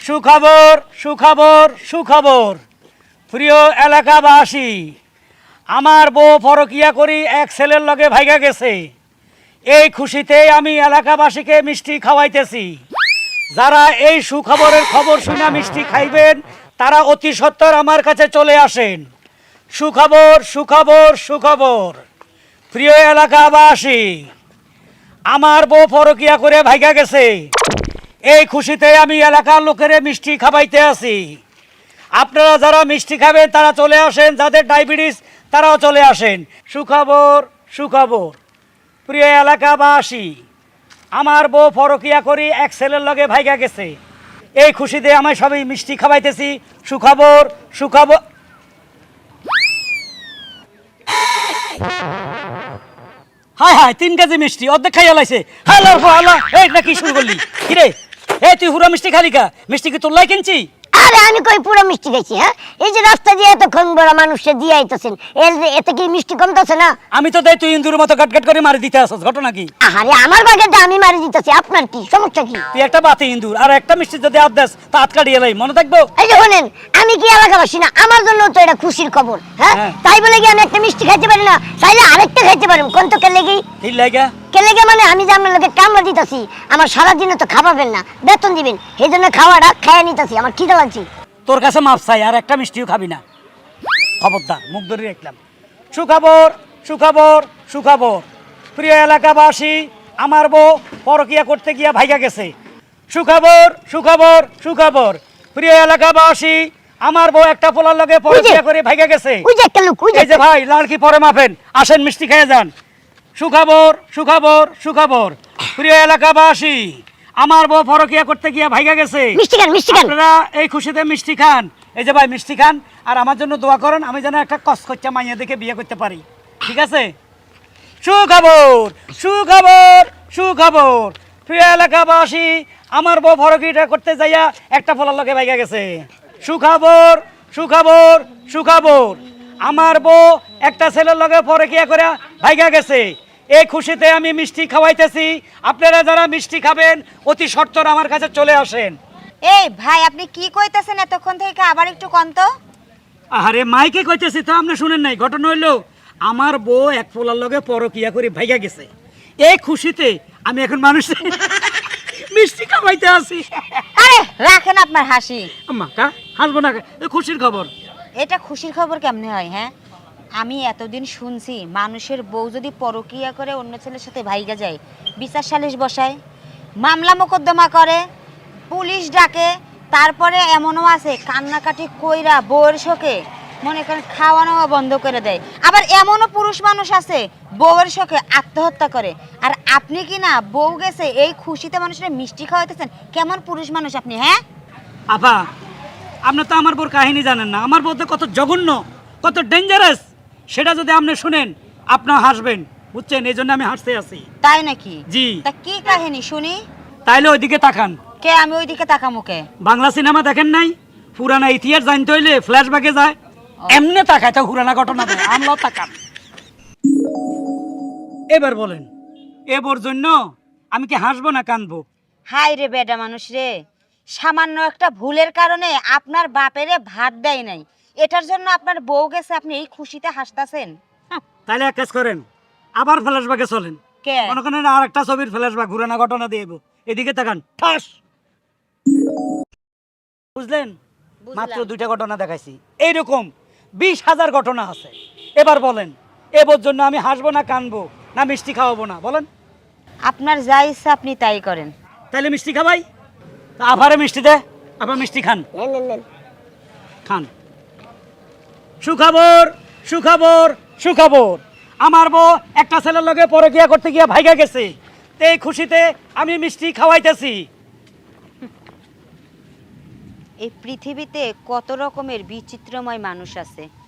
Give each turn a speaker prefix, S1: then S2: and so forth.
S1: সুখবর সুখবর সুখবর প্রিয় এলাকাবাসী, আমার বউ পরকিয়া করি এক ছেলের লগে ভাইগা গেছে। এই খুশিতে আমি এলাকাবাসীকে মিষ্টি খাওয়াইতেছি। যারা এই সুখবরের খবর শুনে মিষ্টি খাইবেন তারা অতি সত্বর আমার কাছে চলে আসেন। সুখবর সুখবর সুখবর প্রিয় এলাকাবাসী, আমার বউ পরকিয়া করে ভাইগা গেছে। এই খুশিতে আমি এলাকার লোকেরে মিষ্টি খাওয়াইতে আছি। আপনারা যারা মিষ্টি খাবেন তারা চলে আসেন, যাদের ডায়াবেটিস তারাও চলে আসেন। সুখবর সুখবর প্রিয় এলাকাবাসী, আমার বউ পরকিয়া করি এক ছেলের লগে ভাইগা গেছে। এই খুশিতে আমি সবাই মিষ্টি খাওয়াইতেছি। সুখবর সুখবর। হায় হায়, 3 কেজি মিষ্টি অর্ধেক খাইয়া লাইছে। হ্যালো হ্যালো, এই না কি শুরু করলি? কিরে এই তুই হুরা মিষ্টি খালি কা? মিষ্টি কি তোর লাই কিনছি?
S2: আরে আমি কই পুরো মিষ্টি খাইছি? হ্যাঁ, এই যে রাস্তা দিয়ে এতক্ষণ বড় মানুষে দিয়ে আইতাছেন, এতে কি মিষ্টি কমতাছে না?
S1: আমি তো দেই তুই ইন্দুর মতো গাটগাট করে মারি দিতে আসছ, ঘটনা কি?
S2: আরে আমার বাগেরটা আমি মারি দিতেছি, আপনার কি সমস্যা? কি
S1: তুই একটা বাতি ইন্দুর আর একটা মিষ্টি যদি আদ দেস তা হাত কাটিয়ে লাই, মনে থাকবো?
S2: এই যে শুনেন, আমি কি এলাকাবাসী না? আমার জন্য তো এটা খুশির খবর। হ্যাঁ, তাই বলে কি আমি একটা মিষ্টি খাইতে পারি না? চাইলে আরেকটা খাইতে পারি। কোন তো কে লেগেই
S1: ঠিক লাগা
S2: কে লেগে মানে আমি যে আপনার লোকে কামড়া দিতেছি, আমার সারাদিনে তো খাওয়াবেন না, বেতন দিবেন, এই জন্য খাওয়াটা খাইয়া নিতেছি। আমার খিদা লাগছে।
S1: তোর কাছে মাপ চাই, আর একটা মিষ্টিও খাবি না, খবরদার। মুখ ধরে রাখলাম। সুখবর সুখবর সুখবর প্রিয় এলাকাবাসী, আমার বউ পরকিয়া করতে গিয়া ভাইগা গেছে। সুখবর সুখবর সুখবর প্রিয় এলাকাবাসী, আমার বউ একটা পোলার লগে পরকিয়া করে ভাইগা গেছে।
S2: ওই যে একটা লোক, ওই
S1: এই যে ভাই লাড়কি পরে মাপেন, আসেন মিষ্টি খেয়ে যান। সুখবর সুখবর সুখবর প্রিয় এলাকাবাসী, আমার বউ পরকিয়া করতে গিয়া ভাইগা গেছে।
S2: মিষ্টি খান, মিষ্টি খান।
S1: আপনারা এই খুশিতে মিষ্টি খান। এই যে ভাই মিষ্টি খান, আর আমার জন্য দোয়া করেন আমি যেন একটা কসকচ্চা মাইয়া দেখে বিয়ে করতে পারি, ঠিক আছে? সুখবর সুখবর সুখবর প্রিয় এলাকাবাসী, আমার বউ পরকিয়া করতে যাইয়া একটা পোলার লগে ভাইগা গেছে। সুখবর সুখবর সুখবর আমার বউ একটা ছেলের লগে পরকিয়া করে ভাইগা গেছে। এই খুশিতে আমি মিষ্টি খাওয়াইতেছি। আপনারা যারা মিষ্টি খাবেন অতি সত্বর আমার কাছে চলে আসেন।
S3: এই ভাই, আপনি কি কইতাছেন এতক্ষণ থেকে? আবার একটু কোন তো।
S1: আরে মাইকে কইতেছি তো, আপনি শুনেন নাই? ঘটনা হইলো আমার বউ এক পোলার লগে পরকিয়া করে ভাইগা গেছে। এই খুশিতে আমি এখন মানুষ মিষ্টি খাওয়াইতে আসি।
S3: আরে রাখেন আপনার হাসি।
S1: আম্মা কা হাসবো না, খুশির খবর।
S3: এটা খুশির খবর কেমনে হয়? হ্যাঁ, আমি এতদিন শুনছি মানুষের বউ যদি পরকিয়া করে অন্য ছেলের সাথে ভাইগা যায়, বিচার সালিশ বসায়, মামলা মোকদ্দমা করে, পুলিশ ডাকে, তারপরে এমনও আছে কান্নাকাটি কইরা বউয়ের শোকে মনে করেন খাওয়ানো বন্ধ করে দেয়। আবার এমনও পুরুষ মানুষ আছে বউয়ের শোকে আত্মহত্যা করে। আর আপনি কি না বউ গেছে এই খুশিতে মানুষের মিষ্টি খাওয়াইতেছেন? কেমন পুরুষ মানুষ আপনি? হ্যাঁ
S1: আপা, আপনি তো আমার বউর কাহিনী জানেন না। আমার বউ তো কত জঘন্য, কত ডেঞ্জারাস, সেটা যদি আপনি শুনেন আপনি হাসবেন, বুঝছেন? এই জন্য আমি হাসতে আছি।
S3: তাই নাকি?
S1: জি।
S3: তা কি কাহিনী শুনি।
S1: তাইলে ওইদিকে তাকান।
S3: কে? আমি ওইদিকে তাকামুকে?
S1: বাংলা সিনেমা দেখেন নাই? পুরানা ইতিহাস জানতে হইলে ফ্ল্যাশব্যাকে যায়, এমনি তাকায় তো পুরানা ঘটনা দেয়। আমরাও তাকান। এবার বলেন, এবার জন্য আমি কি হাসবো না কানবো?
S3: হাই রে বেডা মানুষ রে, সামান্য একটা ভুলের কারণে আপনার বাপেরে ভাত দেয় নাই, এটার জন্য আপনার বউ গেছে, আপনি এই খুশিতে হাসতাছেন?
S1: তাইলে এক কাজ করেন, আবার ফ্ল্যাশব্যাকে চলেন।
S3: কে?
S1: মনে করেন আর একটা ছবির ফ্ল্যাশব্যাক, পুরানা ঘটনা দিয়ে এদিকে তাকান, ঠাস। বুঝলেন? মাত্র 2টা ঘটনা দেখাইছি, এইরকম 20,000 ঘটনা আছে। এবার বলেন, এবার জন্য আমি হাসবো না কানবো না মিষ্টি খাওয়াবো না? বলেন।
S3: আপনার যা ইচ্ছা আপনি তাই করেন।
S1: তাইলে মিষ্টি খাবাই, তা আবারে মিষ্টি দে, আবার মিষ্টি খান, খান। সুখবর সুখবর সুখবর আমার বউ একটা ছেলের লগে পরকিয়া করতে গিয়া ভাইগা গেছে। এই খুশিতে আমি মিষ্টি খাওয়াইতেছি।
S3: এই পৃথিবীতে কত রকমের বিচিত্রময় মানুষ আছে।